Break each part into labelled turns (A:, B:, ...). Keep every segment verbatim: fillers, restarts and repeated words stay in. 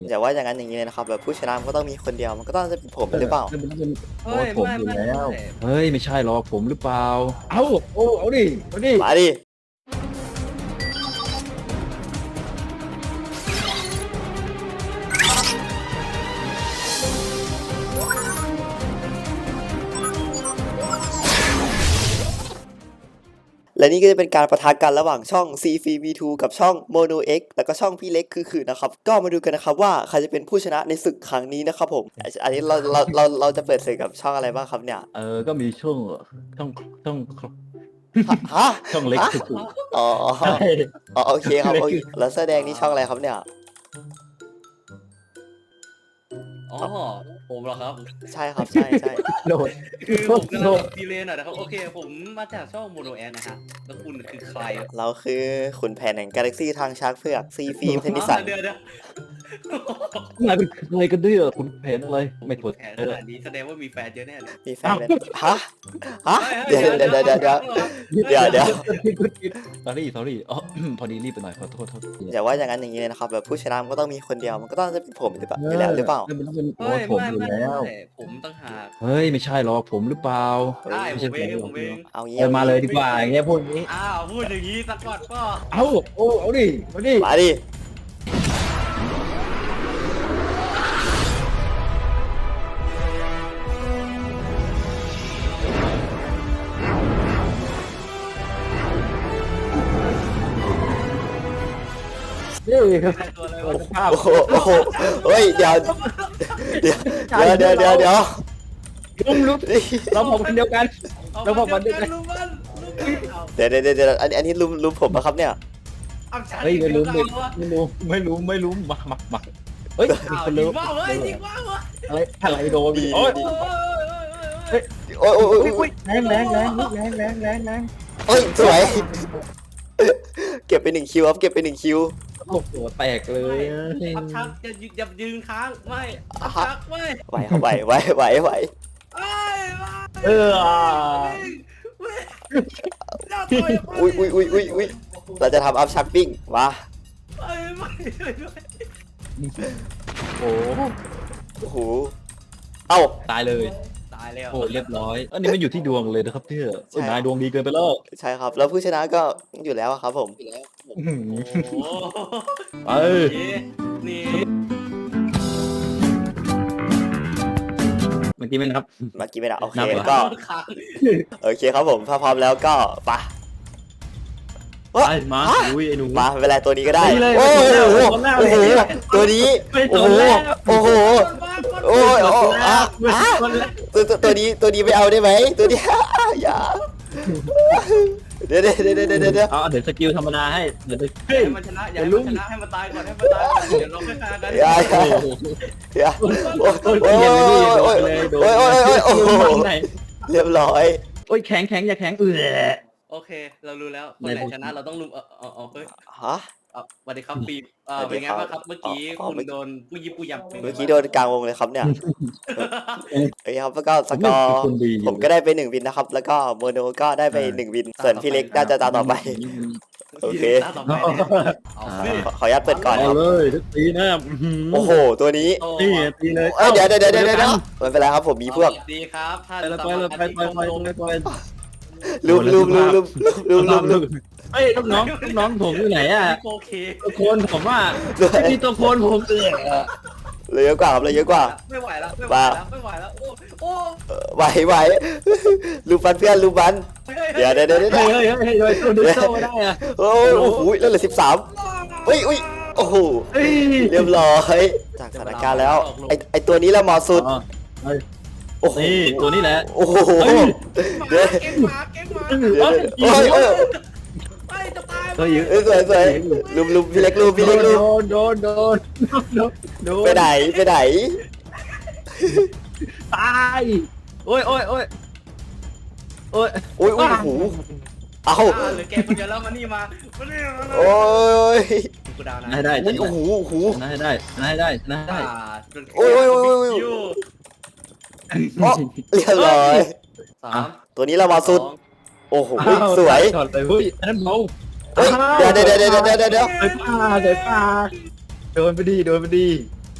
A: อย่าว่าอย่างนั้นอย่างนี้เลยนะครับแบบผู้ชนะมันก็ต้องมีคนเดียวมันก็ต้องจะเป็นผมหรือเปล่า
B: มันเป็น
C: เฮ้ย
B: ผม
C: ไม่
B: อยู่
C: ไม่
B: แล้ว
C: ไม่
B: เฮ้ยไม่ใช่หรอกผมหรือเปล่า เอ้าโอ้เอาดิเอาดิ
A: มาดิและนี่ก็จะเป็นการประทะกันระหว่างช่อง ซี ฟี วี ทู กับช่อง Mono X แล้วก็ช่องพี่เล็กคือคือนะครับก็มาดูกันนะครับว่าใครจะเป็นผู้ชนะในศึกครั้งนี้นะครับผมอันนี้เราเราเราเราจะเปิดศึกกับช่องอะไรบ้างครับเนี่ย
B: เออก็มีช่วงช่องช่อง
A: ฮะ
B: ช่องเล็ก
A: ฮะ
B: สุด
A: อ๋อ
B: ๆใช่
A: อ๋อโอเคครับโอเคแล้วแสอแดงนี่ช่องอะไรครับเนี่ย
C: อ๋อผมเหรอครับ
A: ใช่ครับใช่ใช่
B: โดด
C: คือผมกำ
B: โด
C: ลัง
B: ด
C: ดีเลยหน่อยนะครับโอเคผมมาจากช่องโมโนแอนนะฮะแล้วคุณคือใครอะ
A: เราคือขุนแผนแห่งกาแล็กซี่ทางช้างเผือกซีฟิล์มเทนนิสัน
C: เดี๋ยวเดี๋ยว
B: นายเป็นอะไรกันเนี่ยคุณเพนอะไรไม่ถูก
C: แผนขนาดนี้แสดงว่ามีแฟนเยอะแน่เลย
A: มีแฟนเลยฮะฮะเดี๋ยวเดี๋ยวเดี๋ยวเดี๋ยวเดี๋ยว เดี๋ยวเดี๋ยว
B: สอรี่สอรี่อ๋อพอดีรีบไปหน่อยขอโทษโทษ
A: อย่าว่าอย่างนั้นอย่างนี้เลยนะครับแบบผู้ชนะมันก็ต้องมีคนเดียวมันก็ต้องจะเป็นผมหรือเปล่าอยู่แล้วหรือเปล่า
B: มันต้องเป็น
C: เฮ้ย
B: ผม
C: ไม่
B: อยู่
C: ไม่
B: แล้ว
C: ไม่ผมตั้งหาก
B: เฮ้ยไม่ใช่หรอกผมหรือเปล่า
C: ได้ผมเองผมเอง
A: เอางี้
B: เออมาเลยดีกว่าอย่างเงี้ยพูดอย่างงี้
C: อ้าวพูดอย่างนี้สักก่อนก็
B: เอ้าโอ้เอาดิเอาดิ
A: มาดิ
B: นี่
C: ได้ตัวอะไรวะ
B: ภาพ
A: โอ้โหโอ้โหเฮ้ยเดี๋ยวเดี๋ยวเดี๋ยวเดี๋ยวเดี๋ยว
B: ลุมลุมเราผมคนเดียวกัน แล้วบอกวันเดียวกัน
C: ลุมมันลุมมันเอา
A: เดี๋ยวเดี๋ยวเดี๋ยวอันอันนี้ลุมลุมผมนะครับเนี่ย
C: เอาฉัน
B: เฮ้ยไม่รู้
C: อี
B: ไม่
C: กแล้วอะ
B: ไม่รู้ไม่รู้ไม่รู้มามามาเฮ้ยมี
C: อ้าว
B: คน
C: ยิ
B: รู้
C: งว่าวเว้ยยิงว่าวเว้ย
B: อะไรอะไรโดนโอ้ย
C: โอ้ยโอ้ยโอ้ยโอ้ย
A: โอ้ยโอ้ยโอ้ย
B: แรงแรงแรงแรงแรงแรงแรง
A: โอ้ยสวยเก็บไปหนึ่งคิวครับเก็บไปหนึ่งคิว
B: โอ้โหแตกเลย
C: อัพชักอย่าอย่ายืนค้างไม่อัพชักไม่
A: ไหวครับไหวไหวไหวไหว
C: ไอ้ไม่
B: เออ
C: ไม่อย่าต่อย
A: อุ้ยอุ้ยอุ้ยอุ้ยอุ้ยเราจะทำอัพชักปิ้งมา
C: ไม่ไม่ไม่
B: โอ้
A: โอ้โหเอ้า
B: ตายเลย
C: ตายแล้ว
B: โอ้เรียบร้อยอันนี้มันอยู่ที่ดวงเลยนะครับพี่นายดวงดีเกินไปแล้ว
A: ใช่ครับแล้วผู้ชนะก็อยู่แล้วอะครับผม
C: โอ้โห
B: ไป
C: นี่
B: เมื่อกี้ไม่นับ
A: เมื่อกี้ไม่ได้โอเค
B: นับเหรอ
A: ก็
C: ค้าง
A: โอเคครับผมถ้าพร้อมแล้วก็ไป
B: ไปมาลุยไอ้หนู
A: มาเวลาตัวนี้ก็ได้
B: ไปเลย
A: โอ้โห
B: ไปเลย
A: โอ้โหตัวนี้
B: ไป
A: โอ้
B: ตัว
A: โห
B: แรก
A: โอ้โหโอ้ยโอ้อ่ะอ่ะตัวตัวตัวนี้ตัวนี้ไม่เอาได้ไหมตัวนี้ อย่าเดี๋ยวเดี๋ยวเดี๋ยวเดี๋ยวเดี๋ยวเดี๋ยว
B: เอาเดี๋ยวสกิลธรรมดาให้เดี๋ยวเฮ้ย
C: ให้มันชนะอย่าให้มันชนะให้มันตายก่อนให้มันตายก่อนเดี๋ยวเราค่อยฆ่ากัน
A: อย่าอย่าอย่าโอ้ยโอ้ยโอ้ยโอ้ยโอ้ยโอ้ยโอ้ยโอ้โหเรียบร้อย
B: โอ้ยแข็งแข็งอย่าแข็งเออ
C: โอเค เรารู้แล้วคนไหนชนะเราต้องลุมเออเออเออเฮ้ย
A: ฮะ
C: เอ่อสวัสดีครับปีบเอ่อ
A: สวัสดี
C: เป็นไง
A: ครับ
C: บ้างครับเมื่อกี้
A: อ๋อ
C: คุณ
A: เมื่อ
C: โดนผู้ยิบผู้ยำป็นไง
A: เมื่อกี้โดนกลางวงเลยครับเนี่ยเอ้ยครับแล้วก็สกอร์
B: คนดี
A: ผมก็ได้ไปหนึ่งวินนะครับ แล้วก็โมโนก็ได้ไปหนึ่งวิน ส่วนพี่เล็กน่าจะตามต่อไป โอเค
C: ตาต่อไปเนี่ยเอาสิ
A: ขอขออนุญาตเปิดก่อนค
B: เอา
A: รับ
B: เลยทุกตีนะ
A: โอ้โห ตัวนี้
C: โอ้
B: นี่ตีเลย
A: เอ้ยเดี๋ยวเดี๋ยวเดี๋ยวเดี๋ยวเดี๋ยวไม่เป็นไรครับผมมีพวก
C: สสดีครับท่าน
B: ไปเลยไปเลยไปไปไปไปไป
A: ลืมลืมลืมลืมลืมลืมลืม
B: เฮ้ยลูกน้องลูกน้องผมอยู่ไหนอ่ะ
C: โอเค
B: ตัวโคนผมว่าไม่มีตัวโคนผมเออ
A: เลยเยอะกว่าครับเลยเยอะกว่า
C: ไม่ไหวแล้วไม่ไหวแล้วไม่ไหวแล้วโอ้โอ้
A: เออไหวไหวลูบันเพื่อนลูบัน เดี๋ยวเดี๋ยวเดี๋ยวเดี๋ยว
B: เฮ้ยเฮ้ยเฮ้ยเฮ้ยตัวดึงโซ่ได้อ่ะ
A: โอ้โหแล้วเหลือสิบสามอุ้ยอุ้ยโอ้โห
B: เฮ้ย
A: เรียบร้อยจากสถานการณ์แล้วไอไอตัวนี้แหละเหมาะสุดโอ้โห
B: นี่ตัวนี้แหละ
A: โอ้โหเดี๋ยว
C: เก่งหมาเก่งหมา
A: เดี๋ยวโอ้ยโอ้ย
C: ไปจะตาย
B: เฮ้ย
A: เอ้ยสวยสวยลุมลุมพี่เล็กลุมพี่เล็กลุม
B: โดนโดนโดนโดนโดน
A: ไปไหนไปไหน
B: ตายโอ้ยโอ้ยโอ้ยโอ้ย
A: โอ้ยโอ้ยโอ้โหเอา
C: เหลือแกคนเดียวแล้วมานี่มามานี่มา
A: โอ้ย
C: กูดาวนะ
B: ได้ได้
A: โอ้โหโอ้โห
B: ได้ได้ได้ได้ได้
A: โอ้ยโอ้ยโอ้ยโอ้ย อ๋อเรียบร้อย
C: สาม
A: ตัวนี้เรามาสุด โอ้โหสวย
B: ถอดเลยเฮ้ยอันนั้นเบา
A: เฮ้ยเดี๋ยวเดี๋ยวเดี๋ยวเดี๋ยวเดี๋ยวเดี๋ยว
B: เดี๋ยวป้าเดี๋ยวป้าโดนไปดีโดนไปดี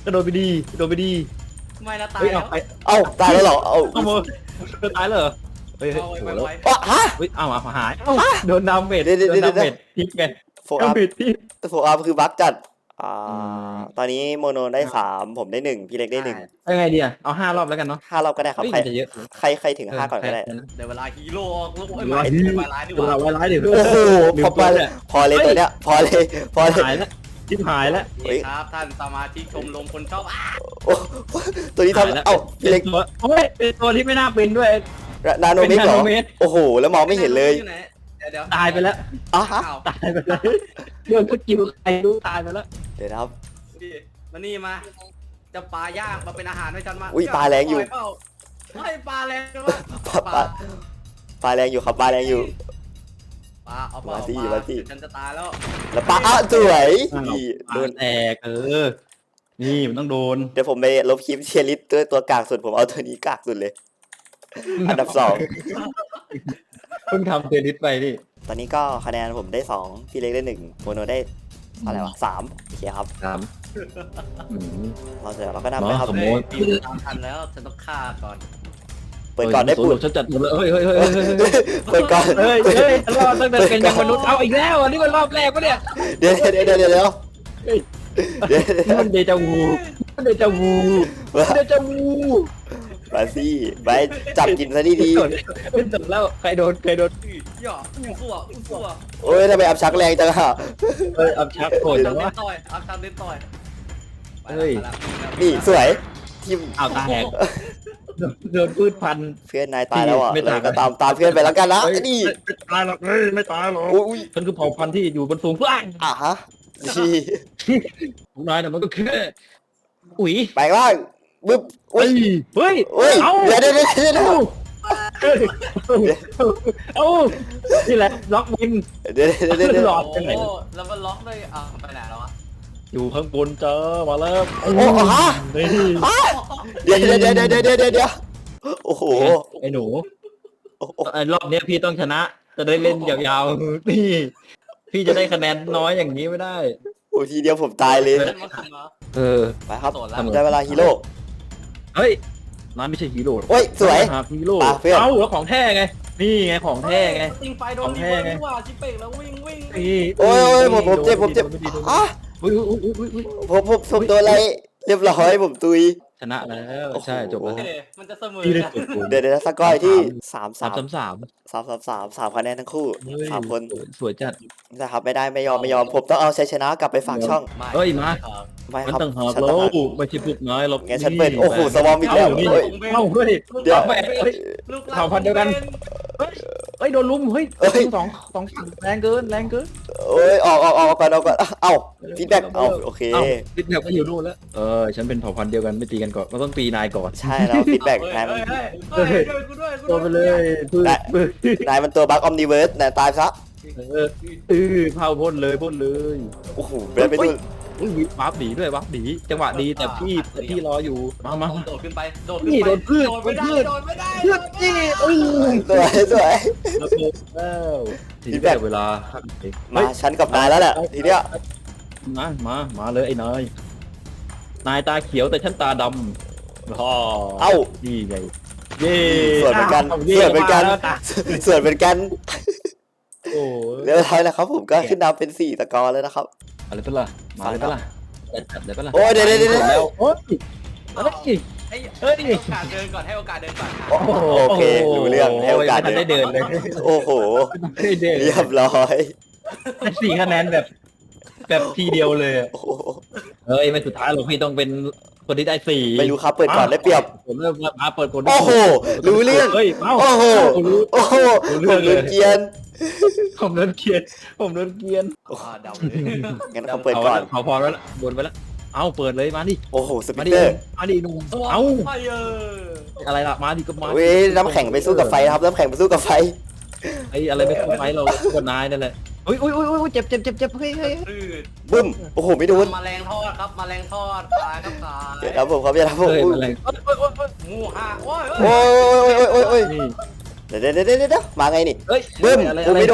B: กระโดดไปดีกระโดดไปดี
C: ไม่นะตาย
B: เฮ้ย
C: แล้
B: เอา
C: ว
B: ไป
A: เอ้าตายแล้วเหรอเอ้า
B: เอามือตายเลยเหรอเฮ้ยเฮ้ย
C: เอา
B: โอ้
C: ไว้
B: โห
C: ไว้
B: แล้ว
C: ไว้
A: อ๋อฮะ
B: เฮ้ยเอามาหายเอ้าโดนดาเมจ
A: เดี๋ยวเดี๋ยว
B: โดนดา
A: เดี๋ยว
B: เมจทิปไง
A: โฟ
B: ดา
A: อัพ
B: เมจทิป
A: โฟอัพคือบั๊กจัดอ่า
B: อืม
A: ตอนนี้โมโนได้สามผมได้หนึ่งพี่เล็กได้หนึ่ง
B: เอาไงดีอ่ะเอาห้ารอบแล้วกันเนาะ
A: ห้ารอบก็ได้ครับ
B: เฮ้ย
A: ใคร
B: มันจะเยอะ
A: ใครใครถึงห้าก่อนก็ได้
C: เดี๋ยวเวลาฮีโร่ออกลูก
B: เว
C: ไอ้
B: ลา
C: ไม้
B: ฮีโร่
C: ไม้ร้ายดีก
B: เวลา
C: ว่า
B: ไว้ร้ายเดี๋ยว
A: โอ้โห
B: ลืม
A: พอ
B: ตัว
A: ไป
B: เนี่ย
A: พอเลยตัวเนี้ยพอเลยพอเลย
B: หายแล้วทิปหายแล้ว
A: เฮ้ย
C: ครับท่านสมาชิกชมรมคนชอบอ่ะ
A: โอ้ตัวนี้
B: หายแล้ว
A: ทำเอ้าพี่เล็ก
B: เป็นตัวโอ้ยเป็นตัวที่ไม่น่าเป็นด้วย
A: นาโนเมกเหรอ
B: เป็นนาโนเมก
A: โอ้โหแล้วมองไม่เห็นเลย
C: อยู่ไหนเดี๋ยวเดี๋ยว
B: ตายไปแล้ว
A: อ่ะฮะ
C: อ้าว
B: ตายไปเลยเรื่องสกิลใครรู้ตายไปแล้ว
A: เดี๋ยวนะครับ
C: นี่มานี่มาจะปลาย่างมาเป็นอาหารให้ฉันมา
A: อุ้ยปลาแรงอยู่
C: เปล่าเฮ้ยปลาแรงจังวะ
A: ปลาปลาปลาแรงอยู่ครับปลาแรงอยู่
C: ปลาเอาปลา
A: มาสิ
C: เอปล
A: มาสิ
C: ฉันจะตายแล้ว
A: แล้วปลาอ่ะสวย
B: อ้าว
A: นี่โด
B: โด
A: น
B: นแตกเออ นี่มันต้องโดน
A: เดี๋ยวผมไปลบคลิปเชียร์ลิสตัวตัวกากสุดผมเอาตัวนี้กากสุดเลย อันดับสอง
B: เพิ่งทำเทรนิสไปนี่
A: ตอนนี้ก็คะแนนผมได้สองพี่เล็กได้หนึ่งโมโนได้อะไรวะสามโอเคครับ
B: สามอืม
A: เราจะเราก็นำไปครับ
B: สมมุติ
C: เฮ้ยตามทันแล้วฉันต้องฆ่าก่อน
A: เปิดก่อนได้ปูด
B: ฉันจัดหมดเลยเฮ้ยเฮ้ยเฮ้ยเฮ้ยเฮ้ย
A: เปิดก่อน
B: เฮ้ยเฮ้ยรอบตั้งแต่เป็นยังมนุษย์เอาอีกแล้วอันนี้มันรอบแรกปะเนี่ย
A: เดี๋ยวเดี๋ยวเดี๋ยวเดี๋ยวเดี๋ยว
B: เฮ้ย
A: เดี๋ยวเดี๋ยว
B: มันเดจาวูมันเดจาวูเดจาวู
A: มาสิไปจับกินซะดี
B: เป็นจบแล้วใครโดนใครโดน
C: อย่าอู้ฟัวอู้ฟัว
A: ๆโอ้ยทำไมอับชักแรงจังอะ
B: เฮ้ยอับชักโกรธ
C: ทำ
B: จัง
C: เล่
B: วะ
C: นต่อยเอาทำเล่นต่อยไป
B: เฮ้ย
C: แล้วไปแล้ว
A: นี่สวยทิม
B: เอาตาแหกโดนพืชพันธุ์
A: เพื่อนนายตายแล้วอ่ะ
B: ไม่
A: เล
B: ตาย
A: ยก็ตามตามเพื่อนไปแล้วกันนะ
B: เฮ้ย
A: นี่
B: ไม่ตายหรอกเฮ้ยไม่ตายหรอก
A: อุ้ย
B: ฉันคือเผ่าพันธุ์ที่อยู่บนสูงฟ้า
A: อ่ะฮะดี
B: ของนายน่ะมันก็แค่อุ๋ย
A: ไปล่างบึ๊บอุ้
B: เฮ้
A: ย
B: ยเฮ้ย
A: อุ้ย
B: เอา
A: เดี๋ยวเดี๋ยวเดี๋ยวเดี๋ยวเดี๋ยว
B: เฮ้ยเอานี่แหละล็อกวิน
A: เดี๋ยวเดี๋ยวเดี๋ยวเดี๋ยว
B: หลอด
C: โอ้โหแล้วมันล็อกเลยอ่ะไปไหนแล้ววะ
B: อยู่ข้างบนเจอมาแล้ว
A: โอ้โหฮะ
B: นี่
A: เดี๋ยวเดี๋ยวเดี๋ยวเดี๋ยวเดี๋ยวเดี๋ยวเดี๋ยวโอ้โห
B: ไอ้หนู
A: โอ้โห
B: ไอ้รอบเนี้ยพี่ต้องชนะ จะได้เล่นยาวๆนี่พี่จะได้คะแนนน้อยอย่างนี้ไม่ได้
A: โอ้ทีเดียวผมตายเลย
C: มันมาขึ้นมา
B: เออ
A: ไปครับ
C: โดดแล้ว
A: ได้เวลาฮีโร่
B: เฮ้ยน้าไม่ใช่ฮีโร่
A: โอ้ยสวย
B: หาฮีโร่
A: ปะเพื่อน
B: เอ้าแล้วของแท้ไง นี่ไงของแท้ไง
C: ยิงไฟโดน
B: ของ
C: ดี
B: แท้
C: เว้ย
B: ไง
C: นี่หว่าชิเป่งแล้ววิ่งวิ่ง
B: นี่
A: โอ้ยโอ้ยผมผมเจ็บผมเจ็บ
B: โดนไดีโดนไม่ดี
A: อ่ะ
B: อุ้ยอุ้ยอุ้ยอุ้ยอุ้ย
A: ผมผมผมโดนอะไรเรียบร้อยผมตุย
B: ชนะแล้ว
A: โอ้โห
B: ใช่จบแล้ว
C: เฮ้ยมันจะเสมอ
B: พี่ได้
C: นะ
B: กดปุ่ม
A: เดี๋ยวเดี๋ยวสกอยที่สาม
B: สา
A: สาม ม
B: สามสาม
A: สามสามสามสามคะแนนทั้งคู่
B: เฮ้ย
A: สามคน
B: สวยสวยจัด
A: นะครับไม่ได้ไม่ยอมไม่ยอมผมต้องเอาชัยชนะกลับไปฝากช่อง
B: เฮ้ยมา
A: ไม่
B: มัน
A: ครับ
B: ต่างหาก
A: ฉัน
B: แล้
A: ต่าง
B: ว
A: หาก
B: ไม่ใช่พวกนายหรอก
A: งั้นฉันเปิดโอ้โหสวอมอีกแล้ว
B: เอ้านี่
A: เฮ้ย
B: เอ้าเฮ้ย
A: เดี๋ยว
B: อาไปเฮ้ย
C: ลูกหล
B: เผ่าพันธุ์เดียวกัน เฮ้ยเฮ้ยโดนลุมเฮ้ย
A: เอ้ย
B: สองสองแรงเกินแรงเกิน
A: โอ้ยออกออกออกก่อนออกก่อนเอ้าฟีดแบ็กเอาโอเค
B: เอ้าฟีดแบ็กก็อยู่นู่นแล้วเออฉันเป็นเผ่าพันธุ์เดียวกันไม่ตีกันก่อนเราต้องตีนายก่อน
A: ใช่แล้วฟีดแบ็ก
C: เฮ้ย
A: นายมัน
C: เฮ้ยเฮ้ยเฮ้ยช่วยกูด้วยกู
B: โด
C: ด้วย
B: นไปเลยพืช
A: ได้
B: พืช
A: นายมันตัวบัคออมนิเวิร์สนายตายซะ
B: เออเออเผาพ่นเลยพ่นเลย
A: โอ้โหเป็นไปดู
B: อุ้ยวับหนีด้วยวับหนีจังหวะดีแต่พี่แต่พี่รออยู่มามามา
C: โดดขึ้นไปโดด
B: นี่
C: ขึ้นไป
B: โดนพืช
C: โดดไม่ได้
B: โดนพืช
C: โดดไม่ได้
B: เลือดจี้อุ้ย
A: สวยสวย
B: ระเบิดแล้วทีนี้ได้เวลา
A: มาฉันกับนายแล้วแหละทีเนี้ย
B: มามามาเลยไอ้นายนายตาเขียวแต่ฉันตาดำอ๋อ
A: เอ้า
B: นี่ไงเย่
A: ส่วนเหมือนกัน
B: าวย่
A: ส่วนเหมือนกัน
B: มาแล้วตา
A: ส่วนเป็นกัน
B: โอ้
A: เรียบร้อยนะครับผมก็ขึ้นนำเป็นสี่สกอร์แล้วนะครับ
B: อะไรเป็นล่ะมาเลยเป็นล่ะจัดเลยเป็นล่ะ
A: โอ้ยเดี๋ยวเดี๋ยวเดี๋ยวเดี๋ยว
B: แล้วโอ้ยเฮ้ย
C: ให้
B: เฮ้ย
C: ให้โอกาสเดินก่อนให้โอกาสเดินก่อน
A: โอ้โหโอเครู้เรื่องให้โอกาส
B: ไม่ทันได้เดินเลย
A: โอ้โห
B: ไม่ได้เดิน
A: เรียบร้อย
B: ได้สี่คะแนนแบบ แบบทีเดียวเลยอะ
A: โอ้โห
B: เฮ้ยไม่สุดท้ายหรอกพี่ต้องเป็นคนที่ได้สี่
A: ไม่รู้ครับเปิดก่อนได้เปรียบ
B: ผมเริ่มมาเปิดคน
A: โอ้โหรู้เรื่อง
B: เฮ้ยเอ้า
A: โอ้โห
B: รู้
A: โอ้โหผมโดนเกรียน
B: ผมโดนเกลียนผมโดนเกลียน
C: อ่าเดาเลย
A: งั้นเขาเปิดก่อน
B: เผาพอแล้วบนไปแล้วเอาเปิดเลยมาดิ
A: โอ้โหสปิ
B: มา
A: ต
B: ดิ
A: เตอร์
B: มาดิหนุ่มเอา
C: ไฟเออ
B: อะไรล่ะมาดิก็มา
A: เว้ยน้ำแข็งไปสู้กับไฟนะครับน้ำแข็งไปสู้กับไฟ
B: ไอ้อะไรไม่คุ้มไฟเราก็นายนั่นแหละอุ้ยอุ้ยอุ้ยอุ้ยเจ็บเจ็บเจ็บเจ็บเฮ้ยเฮ้ย
C: พืช
A: บึ้มโอ้โหไม่โดน
C: แมลงทอดครับแมลงทอดตายครับตาย
A: เดี๋ยวครับผมครับอย่าทำผม
B: เฮ้ย
A: อุ้ย
B: อะไร
C: งูห่าโอ้ย
A: โอ้ยโอ้ยโอ้ยโอ้ยโอ้ย
B: นี่
A: เดี๋ยวเดี๋ยวเดี๋ยวเดี๋ยวมาไงนี่
B: เฮ้ย
A: บึ้ม
B: อะไร
A: โอ้
B: อะไร
A: ไม่โดน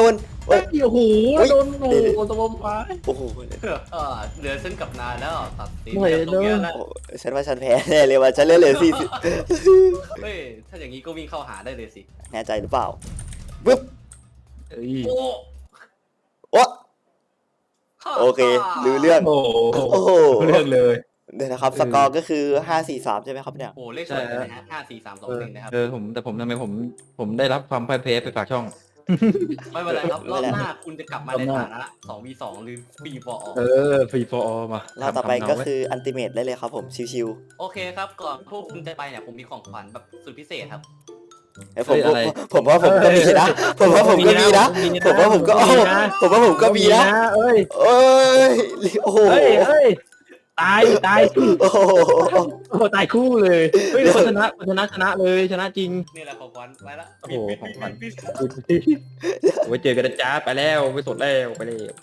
A: เฮ้ย
B: โอ้โห
A: เฮ้ย
B: โดนโอ้โหตะบอมฟ้า
A: โอ้โห
C: เออเหลือฉันกับนายแล้วตัดสิน
B: ไม่
C: กันตรงเนี้ย
B: เนอะ
C: แล้ว
A: โอ้ฉันว่าฉันแพ้แน่เลยว่ะฉันเลือดเหลือสี่สิบ
C: เฮ้ยถ้าอย่างนี้ก็วิ่งเข้าหาได้เลยสิ
A: แน่ใจหรือเปล่าปึ๊บ
B: เอ้ย
C: โอ้
A: โอ้โอเครู้เรื่อง
B: โอ้โห
A: โอ้โห
B: เรื่องเลย
A: เดี๋ยวนะครับสกอร์ก็คือห้าสี่สามใช่ไหมครับเนี่ย
C: โหเลขสวยเลยนะฮะห้าสี่สามสองหนึ่งนะครับ
B: เออผมแต่ผมทำไมผมผมได้รับความพ่ายแพ้ไปฝากช่อง
C: ไม่เป็นไรครับรอบหน้าคุณจะกลับมาใน
B: รอบหน้า
C: ฐานะสองวีสองหรือปีฟอร์ออก
B: เออฟรีฟอร์มา
A: แล้วต่อไปก็คืออันติเมตได้เลยครับผมชิว
C: โอเคครับก่อนพวกคุณจะไปเนี่ยผมมีของขวัญแบบสุดพิเศษครับ
A: ๆเอ้ยผมผมผมว่าผมก็มีนะ ผมว่าผมก็มีนะ ผมว่าผมก็โอ้ผมว่าผมก็มีนะ
B: เอ้ย
A: เอ้ยโอ้โห
B: เฮ้ยเฮ้ยตายตาย
A: โอ้โห
B: โอ้โหตายคู่เลยเฮ้ยคนชนะคนชนะชนะเลยชนะจริง
C: นี่แหละของขวัญไปละ
B: โอ้โหของขวัญ ไว้เจอกันนะจ้าไปแล้วไปสดแล้วไปเลย